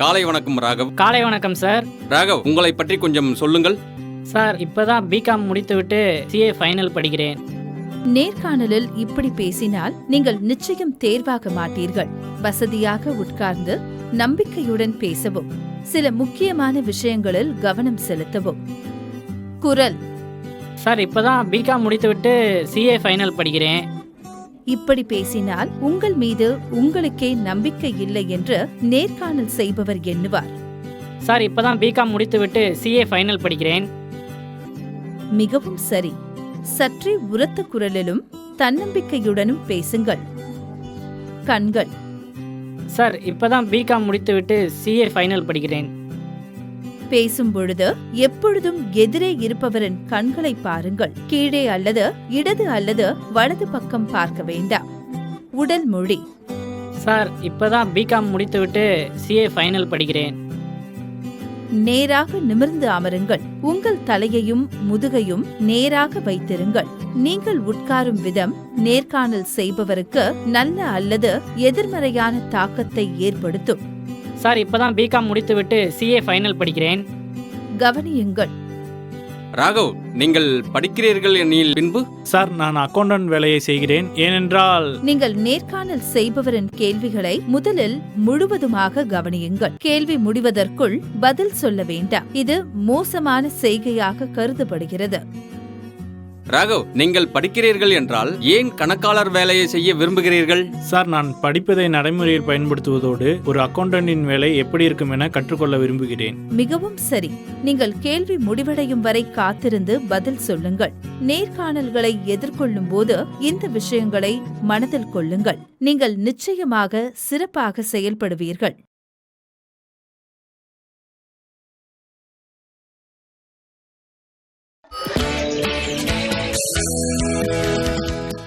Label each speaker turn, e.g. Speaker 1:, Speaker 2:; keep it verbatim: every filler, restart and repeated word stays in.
Speaker 1: காலை வணக்கம் ராகவ்.
Speaker 2: காலை வணக்கம் சார்.
Speaker 1: ராகவ், உங்களை பற்றி கொஞ்சம் சொல்லுங்கள்.
Speaker 2: சார், இப்பதான் பிகாம் முடித்துவிட்டு சிஏ ஃபைனல் படிக்கிறேன்.
Speaker 3: நேர்காணலில் இப்படி பேசினால் நீங்கள் நிச்சயம் தேர்வாக மாட்டீர்கள். வசதியாக உட்கார்ந்து நம்பிக்கையுடன் பேசவும், சில முக்கியமான விஷயங்களில் கவனம் செலுத்தவும். குரல்:
Speaker 2: சார், இப்பதான் பிகாம் முடித்துவிட்டு சிஏ ஃபைனல் படிக்கிறேன்.
Speaker 3: இப்படி பேசினால் உங்கள் மீது உங்களுக்கே நம்பிக்கை இல்லை என்று நேர்காணல் செய்பவர் எண்ணுவார்.
Speaker 2: சார், இப்பதான் பிகாம் முடித்துவிட்டு சிஏ ஃபைனல் படிக்கிறேன்.
Speaker 3: மிகவும் சரி. சற்றே உரத்த குரலிலும் தன்னம்பிக்கையுடனும் பேசுங்கள். கண்கள்:
Speaker 2: சார், இப்பதான் பிகாம் முடித்துவிட்டு சிஏ ஃபைனல் படிக்கிறேன்.
Speaker 3: பேசும் பொழுது எப்பொழுதும் எதிரே இருப்பவரின் கண்களை பாருங்கள். கீழே அல்லது இடது அல்லது வலது பக்கம் பார்க்க வேண்டாம். உடல் மொழி:
Speaker 2: சார், இப்பதான் பிகாம் முடித்துவிட்டு சிஏ ஃபைனல் படிக்கிறேன்.
Speaker 3: நேராக நிமிர்ந்து அமருங்கள். உங்கள் தலையையும் முதுகையும் நேராக வைத்திருங்கள். நீங்கள் உட்காரும் விதம் நேர்காணல் செய்பவருக்கு நல்ல அல்லது எதிர்மறையான தாக்கத்தை ஏற்படுத்தும்.
Speaker 2: சார், இப்பதான் பிகாம் முடித்துவிட்டு சிஏ ஃபைனல் படிக்கிறேன்.
Speaker 3: கவனியுங்கள்.
Speaker 1: ராகவ், நீங்கள் படிக்கிறீர்கள் எனில் பின்பு?
Speaker 4: சார், நான் அக்கவுண்டன்ட் வேலையை செய்கிறேன். ஏனென்றால்
Speaker 3: நீங்கள் நேர்காணல் செய்பவரின் கேள்விகளை முதலில் முழுவதுமாக கவனியுங்கள். கேள்வி முடிவதற்குள் பதில் சொல்ல வேண்டாம். இது மோசமான செய்கையாக கருதப்படுகிறது.
Speaker 1: ராகவ், நீங்கள் படிக்கிறீர்கள் என்றால் ஏன் கணக்காளர் வேலையை செய்ய விரும்புகிறீர்கள்?
Speaker 4: சார், நான் படிப்பதை நடைமுறையில் பயன்படுத்துவதோடு ஒரு அக்கவுண்டன்டின் வேலை எப்படி இருக்கும் என கற்றுக்கொள்ள விரும்புகிறேன்.
Speaker 3: மிகவும் சரி. நீங்கள் கேள்வி முடிவடையும் வரை காத்திருந்து பதில் சொல்லுங்கள். நேர்காணல்களை எதிர்கொள்ளும் போது இந்த விஷயங்களை மனதில் கொள்ளுங்கள். நீங்கள் நிச்சயமாக சிறப்பாக செயல்படுவீர்கள்.